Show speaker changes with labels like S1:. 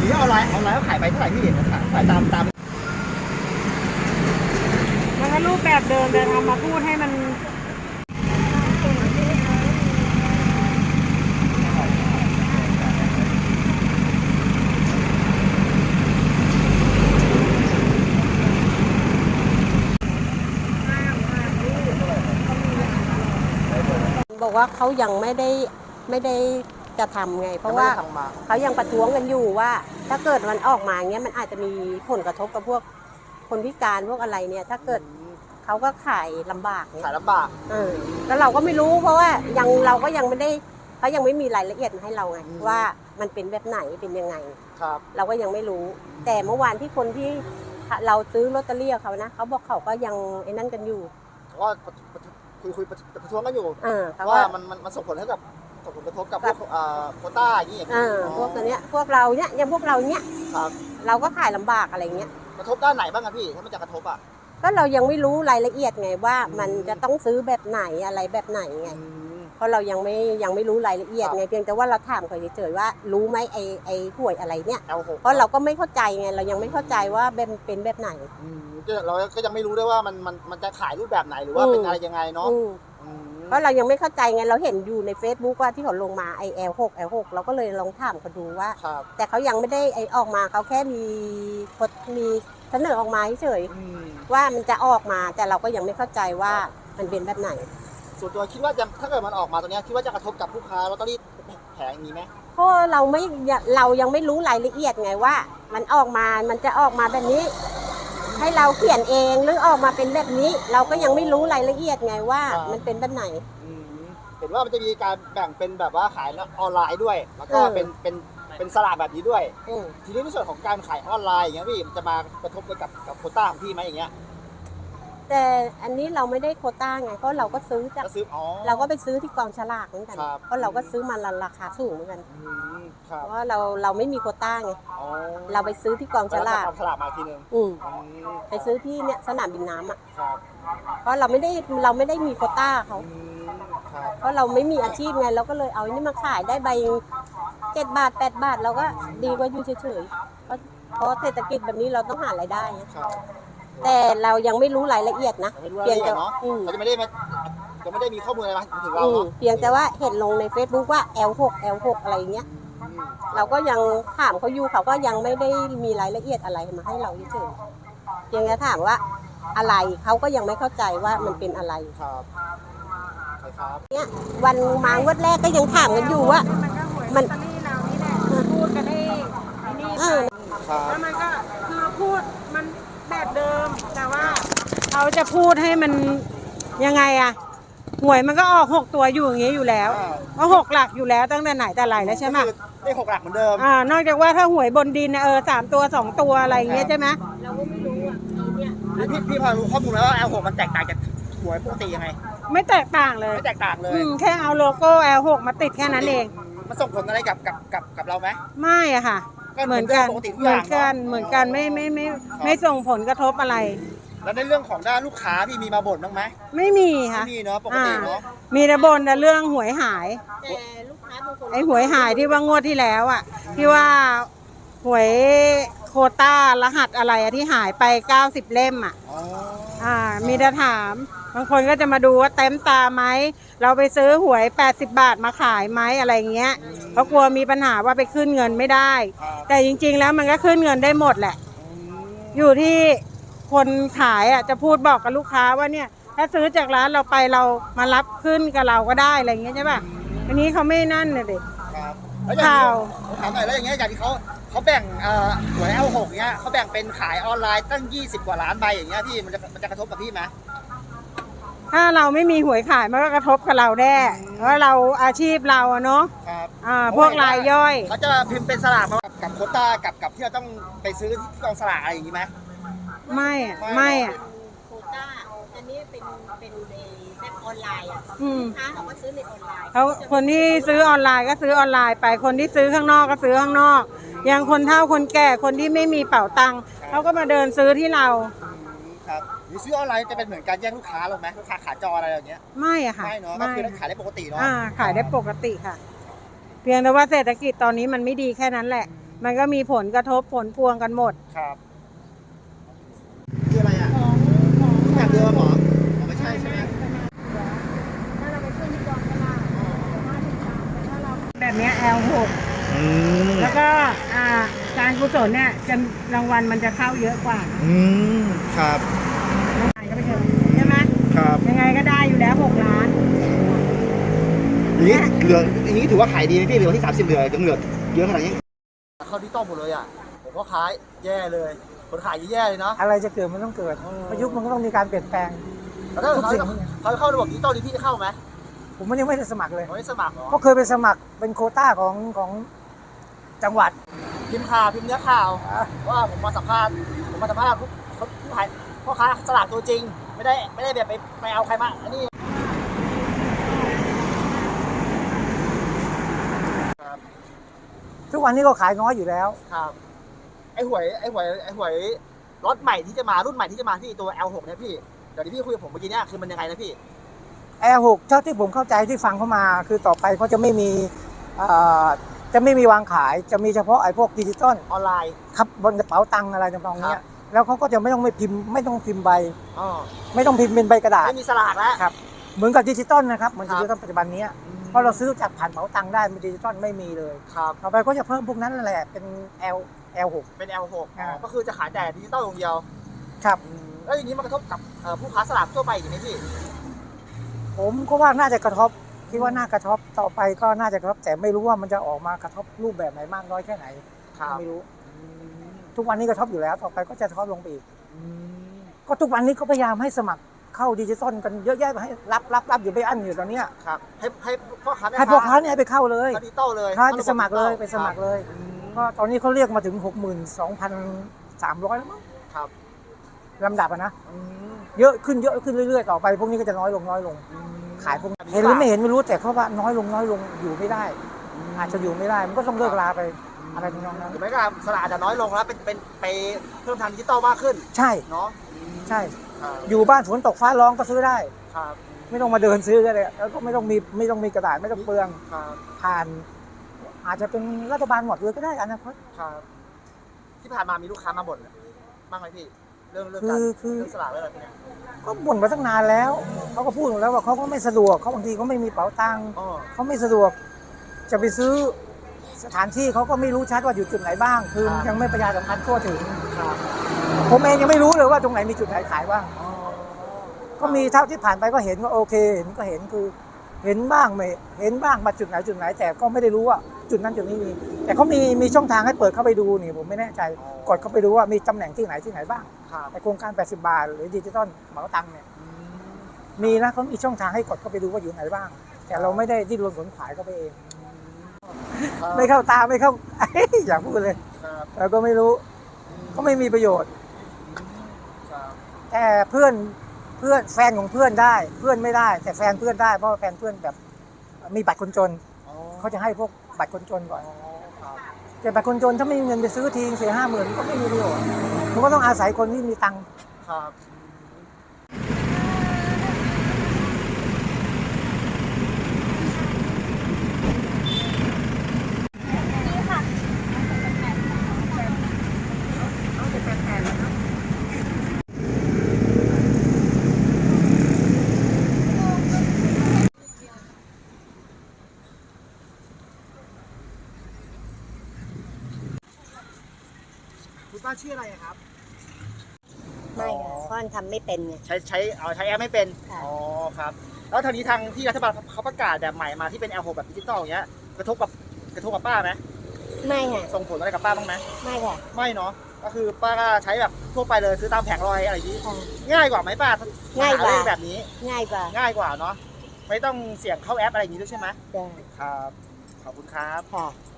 S1: นี้ออนไลน์ก็ขายไปเท่าไหร่พี่ขายตาม
S2: มันก็รูปแบบเดิมแต่ทำมาพูดให้มัน
S3: บอกว่าเขายังไม่ได้จะทำไงเพราะว่าเขายังประท้วงกันอยู่ว่าถ้าเกิดมันออกมาเงี้ยมันอาจจะมีผลกระทบกับพวกคนพิการพวกอะไรเนี่ยถ้าเกิดเขาก็ขายลำบากเนี่ย
S1: ขายลำบาก
S3: แล้วเราก็ไม่รู้เพราะว่าเราก็ยังไม่ได้เขายังไม่มีรายละเอียดมาให้เราไงว่ามันเป็นแบบไหนเป็นยังไงเราก็ยังไม่รู้แต่เมื่อวานที่คนที่เราซื้อลอตเตอรี่เขานะเขาบอกเขาก็ยังไอ้นั่นกันอยู่
S1: ก็คุยประท้วงกันอยู่ว่ามันส่งผลให้กับผลกระทบกับพวกโควต้าอย่างนี้
S3: พวกตัวเนี้ยพวกเราเนี้ยยังพวกเราเนี้ยเราก็ขายลำบากอะไรเงี้ย
S1: กระทบด้านไหนบ้างครับพี่ถ้ามันจะกระทบ
S3: ก็เรายังไม่รู้รายละเอียดไงว่ามันจะต้องซื้อแบบไหนอะไรแบบไหนไงเพราะเรายังไม่รู้รายละเอียดไงเพียงแต่ว่าเราถามเขาเฉยๆว่ารู้ไหมไอ้หวยอะไรเนี่ยเพราะเราก็ไม่เข้าใจไงเรายังไม่เข้าใจว่าเป็นแบบไหน
S1: เราก็ยังไม่รู้ด้วยว่ามันจะขายรูปแบบไหนหรือว่าเป็นอะไรยังไงเนาะ
S3: เพราะเรายังไม่เข้าใจไงเราเห็นอยู่ใน Facebook ว่าที่เขาลงมาไอ้ L6 เราก็เลยลองถามเขาดูว่าแต่เขายังไม่ได้ไอ้ออกมาเขาแค่มีเสนอออกมาเฉยว่ามันจะออกมาแต่เราก็ยังไม่เข้าใจว่ามันเป็นแบบไหน
S1: ส่วนตัวคิดว่าถ้าเกิดมันออกมาตัวนี้คิดว่าจะกระทบกับลูกค้าลอตเตอรี่แผงนี้ไหม
S3: เพราะเรายังไม่รู้รายละเอียดไงว่ามันออกมามันจะออกมาแบบนี้ให้เราเขียนเองหรือออกมาเป็นแบบนี้เราก็ยังไม่รู้รายละเอียดไงว่ามันเป็นแบบไหน
S1: เห็นว่ามันจะมีการแบ่งเป็นแบบว่าขายออนไลน์ด้วยแล้วก็เป็นสลากแบบนี้ด้วยทีนี้ในส่วนของการขายออนไลน์อย่างเงี้ยพี่มันจะมากระทบกับโควต้าของพี่ไหมอย่างเงี้ย
S3: แต่อันนี้เราไม่ได้โควต้าไงเพราะเราก็ซื้อจากเราก็ไปซื้อที่กองฉลากเหมือนกันเพราะเราก็ซื้อมาราคาสูงเหมือนกันเพราะว่าเราไม่มีโควต้าไงเราไปซื้อที่กองฉลาก
S1: มาทีนึง
S3: ไปซื้อที่เนี่ยสนามบินน้ำอ่ะเพราะเราไม่ได้มีโควต้าเขาเพราะเราไม่มีอาชีพไงเราก็เลยเอาอันนี้มาขายได้ใบ7 บาท8 บาทเราก็ดีกว่าอยู่เฉยๆเพราะเศรษฐกิจแบบนี้เราต้องหารายได้แต่เรายังไม่รู้รายละเอียดนะ
S1: เพียงแต่เขาจะไม่ได้มีข้อมูลอะไรมาถึงเรา
S3: เพียงแต่ว่าเห็นลงใน Facebook ว่า L6 อะไรเงี้ยเราก็ยังถามเขาอยู่เขาก็ยังไม่ได้มีรายละเอียดอะไรมาให้เราเฉยๆเพียงแต่ถามว่าอะไรเขาก็ยังไม่เข้าใจว่ามันเป็นอะไรเนี่ยวันมางวดแรกก็ยังถามกันอยู่ว่า
S2: มันลอตเตอรี่เรานี่แหละพูดกันได้นี่แล้วมันก็คือพูดมันแบบเดิมแต่ว่าเขาจะพูดให้มันยังไงอะหวยมันก็ออก6 ตัวอยู่อย่างนี้อยู่แล้วก็6 หลักอยู่แล้วตั้งแต่ไหนแต่ไรแล้วใช่ไหม
S1: ได้6 หลักเหมือนเดิม
S2: นอกจากว่าถ้าหวยบนดิน3 ตัว2 ตัวอะไรอย่างเงี้ยใช่ไหม
S3: เราก็ไม่รู้อ่ะเนี่ย
S1: พี่พอรู้ข้อมูลแล้วว่า L6 มันแตกต่างจากหวยปกติยังไง
S2: ไม่แตกต่างเลย
S1: ไม่แตกต่างเลย
S2: แค่เอาโลโก้ L6 มาติดแค่นั้นเอง
S1: มันส่งผลอะไรกับเราไหม
S2: ไม่อะค่ะเหมือนกันไม่ส่งผลกระทบอะไร
S1: แล้วในเรื่องของด้านลูกค้าพี่มีมาบ่นบ้างไหม
S2: ไม่มีค่ะ
S1: ไม่มีเนาะปกติเนาะ
S2: มีแต่บ่นแต่เรื่องหวยหาย
S3: แต่ลูกค้าบางคน
S2: ไอ้หวยหายที่ว่างวดที่แล้วอ่ะที่ว่าหวยโควต้ารหัสอะไรที่หายไป90 เล่มอ่ะมีแต่ถามบางคนก็จะมาดูว่าเต็มตาไหมเราไปซื้อหวย80 บาทมาขายไหมอะไรเงี้ยเพราะกลัวมีปัญหาว่าไปขึ้นเงินไม่ได้แต่จริงๆแล้วมันก็ขึ้นเงินได้หมดแหละอยู่ที่คนขายอ่ะจะพูดบอกกับลูกค้าว่าเนี่ยถ้าซื้อจากร้านเราไปเรามารับขึ้นกับเราก็ได้อะไรเงี้ยใช่ป่ะอันนี้เขาไม่นั่นเลยเด็ก
S1: ข่าวถามหน่อยแล้วอย่างเงี้ยอย่างที่เขาแบ่งหวย L6 เงี้ยเขาแบ่งเป็นขายออนไลน์ตั้ง20 กว่าล้านใบอย่างเงี้ยพี่มันจะกระทบกับพี่ไหม
S2: ถ้าเราไม่มีหวยขายมันก็กระทบกับเราแน่เพราะเราอาชีพเราเนาะพวกรายย่อย
S1: เขาจะพิมพ์เป็นสลากมากับโควต้ากับที่เราต้องไปซื้อที่กองสลากอะไรอย่างงี้ไหม
S2: ไม่
S3: โควต้าอันนี้เป็นแบบออนไลน์ค้าเขาก็ซื้อในออนไลน์
S2: เขาคนที่ซื้อออนไลน์ก็ซื้อออนไลน์ไปคนที่ซื้อข้างนอกก็ซื้อข้างนอกอย่างคนเฒ่าคนแก่คนที่ไม่มีเป๋าตังค์เขาก็มาเดินซื้อที่เรา
S1: ครับหรือซื้อออนไลน์จะเป็นเหมือนการแย่งลูกค้าหรอไหมลูกค้าขาจรอะไรอย่างเงี้ย
S2: ไม่อะค่ะ
S1: ไม่เนาะก็คือขายได้ปกติเนาะ
S2: ขายได้ปกติค่ะเพียงแต่ว่าเศรษฐกิจตอนนี้มันไม่ดีแค่นั้นแหละมันก็มีผลกระทบผลพวงกันหมด
S1: ครับคืออะไรอ่ะแบบเดียวกันหมอไม่ใช่ใช่ไหม
S2: แบบเนี้ย L6 แล้วก็การกุศลเนี่ยจะรางวัลมันจะเข้าเยอะกว่า
S1: ครับ
S2: ก็ไปเถอะใช่ไหม
S1: ครับ
S2: ยังไงก็ได้อยู่แล้ว6 ล้าน
S1: อย่างนี้เหลืออย่างนี้ถือว่าขายดีไหมพี่เหลือที่30เหลือยังเหลือเยอะขนาดนี้เข้าที่ต้องหมดเลยอ่ะผมก็ขายแย่เลยคนขายแย่เลยเนาะ
S4: อะไรจะเกิดมันต้องเกิดประยุกต์มันก็ต้องมีการเปลี่ยนแปลง
S1: แล้วถ้าเขาเข้าระบบดิจิตอลนี่พี่จะเข้าไหม
S4: ผมมันยังไม่ได้สมัครเลย
S1: ไม่สมัครเหรอ
S4: ก็เคยไปสมัครเป็นโควต้าของจังหวัด
S1: พิมพ์ข่าวพิมพ์เนื้อข่าวว่าผมมาสัมภาษณ์ผู้ขายพ่อค้าสลากตัวจริงไม่ได้แบบไปเอาใครมาอันนี้
S4: ทุกวันนี้ก็ขายน้อยอยู่แล้ว
S1: ครับไอ้หวยรถใหม่ที่จะมารุ่นใหม่ที่จะมาที่ตัว L6 เนี่ยพี่เดี๋ยวที่พี่คุยกับผมเมื่อกี้เนี่ยคือมันยังไงนะพี่
S4: L6 เท่าที่ผมเข้าใจที่ฟังเข้ามาคือต่อไปเขาจะไม่มีวางขายจะมีเฉพาะไอ้พวกดิจิตอล
S1: ออนไลน์
S4: ครับบนกระเป๋าตังค์อะไรต่างๆเนี้ยแล้วเขาก็จะไม่ต้องพิมพ์ใบ
S1: อ๋อ
S4: ไม่ต้องพิมพ์เป็นใบกระดาษ
S1: ไม่มีสลากแล้ว
S4: ครับเหมือนกับดิจิตอลนะครับเหมือน
S1: ครับ
S4: ดิจิตอลปัจจุบันนี้เพราะเราซื้อจากผ่านเป๋าตังค์ได้ดิจิตอลไม่มีเลย
S1: ครับ
S4: ต่อไปก็จะเพิ่มพวกนั้นแหละเป็น L6
S1: เป็น L6 ก็คือจะขายแต่ดิจิตอลอย่างเดียว
S4: ครับ
S1: แล้วอย่างนี้มันกระทบกับผู้ค้าสลากทั่วไปอย่างนี้ไหมพี่
S4: ผมก็ว่าน่าจะกระทบคิดว่าน่ากระทบต่อไปก็น่าจะกระทบแต่ไม่รู้ว่ามันจะออกมากระทบรูปแบบไหนมากน้อยแค่ไหนไม่รู้ทุกวันนี้กระทบอยู่แล้วต่อไปก็จะกระทบลงไปอีกก็ทุกวันนี้ก็พยายามให้สมัครเข้าดิจิตอลกันเยอะแยะให้รับอยู่ไปอั้นอยู่ตอนเนี้ย
S1: ครับให้พ่อค้าแม่
S4: ให้พวกค้าเนี่ยไปเข้าเลย
S1: ดิจิตอลเลย
S4: ค้าไปสมัครเลยไปสมัครเลยก็ตอนนี้เขาเรียกมาถึง 62,300 แล้วมั้ง
S1: ครับ
S4: ลำดับอะนะเยอะขึ้นเรื่อยๆต่อไปพวกนี้ก็จะน้อยลงขายพวกเห็นหรือไม่เห็นไม่รู้แต่เขาว่าน้อยลงอยู่ไม่ได้ อาจจะอยู่ไม่ได้มันก็ต้องเลิกลาไปอะไรทำนองนั้น
S1: หรือไม่ก็สลากอาจจะน้อยลงแล้วเป็นไปเพิ่มทางดิจิตอลมากขึ้น
S4: ใช่
S1: เนาะ
S4: ใช่อยู่บ้านฝนตกฟ้าร้องก็ซื้อได้
S1: ครับ
S4: ไม่ต้องมาเดินซื้อก็ได้แล้วก็ไม่ต้องมีกระดาษไม่ต้องเปลือง
S1: ครับ
S4: ผ่าน อาจจะเป็นรัฐบาลหมดเลยก็ได้อนาคต
S1: ครับที่ผ่านมามีลูกค้ามาบ่นบ้างไหมพี่เรื่องการ
S4: คือ
S1: เรื่องสลากเรื่องอะไรพวกเนี้ย
S4: ก็บ่นมาตั้งนานแล้วเขาก็พูดหมดแล้วว่าเขาก็ไม่สะดวกเขาบางทีเขาไม่มีเป๋าตังค์
S1: อ๋อ
S4: เขาไม่สะดวกจะไปซื้อสถานที่เขาก็ไม่รู้ชัดว่าอยู่จุดไหนบ้าง คือยังไม่ประชาสัมพันธ์ทั่วถึง
S1: ครับ
S4: ผมเองยังไม่รู้เลยว่าตรงไหนมีจุดไหนขายบ้าง
S1: อ๋อ
S4: ก็มีเท่าที่ผ่านไปก็เห็นว่าโอเคเห็นก็เห็นคือเห็นบ้างไม่เห็นบ้างมาจุดไหนแต่ก็ไม่ได้รู้ว่าจุดนั้นจุดนี้มีแต่เขามีช่องทางให้เปิดเข้าไปดูนี่ผมไม่แน่ใจกดเข้าไปดูว่ามีตำแหน่งที่ไหนบ้าง
S1: ครับ
S4: ในโครงการ80 บาทหรือดิจิตอลเหมาตังค์เนี่ยมีนะเขามีช่องทางให้กดเข้าไปดูว่าอยู่ไหนบ้าง แต่เราไม่ได้ดิ้นรนขนขวายเข้าไปเอง ไม่เข้าตาไม่เข้า อยากพูดเลย
S1: ครับ
S4: เราก็ไม่รู้ก็ไม่มีประโยชน์
S1: ครับ
S4: แต่เพื่อนแฟนของเพื่อนได้เพื่อนไม่ได้ แต่แฟนเพื่อนได้เพราะว่าแฟนเพื่อนแบบมีบัตรคนจน
S1: อ๋อ
S4: เขาจะให้พวกบัตรคนจนก่อน
S1: ครับ
S4: แต่บัตรคนจนถ้าไม่มีเงินไปซื้อทีเสีย50,000ก็ไม่มีประโยชน์มันก็ต้องอาศัยคนที่มีตังค์
S1: ครับ คุณป้าชื่ออะไรครับ
S3: ไม่ค่ะเพราะมันทำไม่เป็นไง
S1: ใช้แอปไม่เป็น
S3: ค่ะ
S1: อ๋อครับแล้วทางนี้ทางที่รัฐบาลเขาประกาศแบบใหม่มาที่เป็น L6 แบบดิจิตอลอย่างเงี้ยกระทบกับป้าไหม
S3: ไม่ค่ะ
S1: ส่งผลอะไรกับป้าบ้างไหม
S3: ไม่ค่ะ
S1: ไม่เนาะก็คือป้าก็ใช้แบบทั่วไปเลยซื้อตามแผงลอยอะไรอย่างนี้
S3: ค่ะ
S1: ง่ายกว่าไหมป้า
S3: ง่ายกว่า
S1: หเลขแบบนี้
S3: ง่ายกว่า
S1: ง่ายกว่าเนาะไม่ต้องเสี่ยงเข้าแอปอะไรอย่างนี้ด้วยใช่ไหม
S3: จ้ะ
S1: ครับขอบคุณครับ
S3: ค่ะ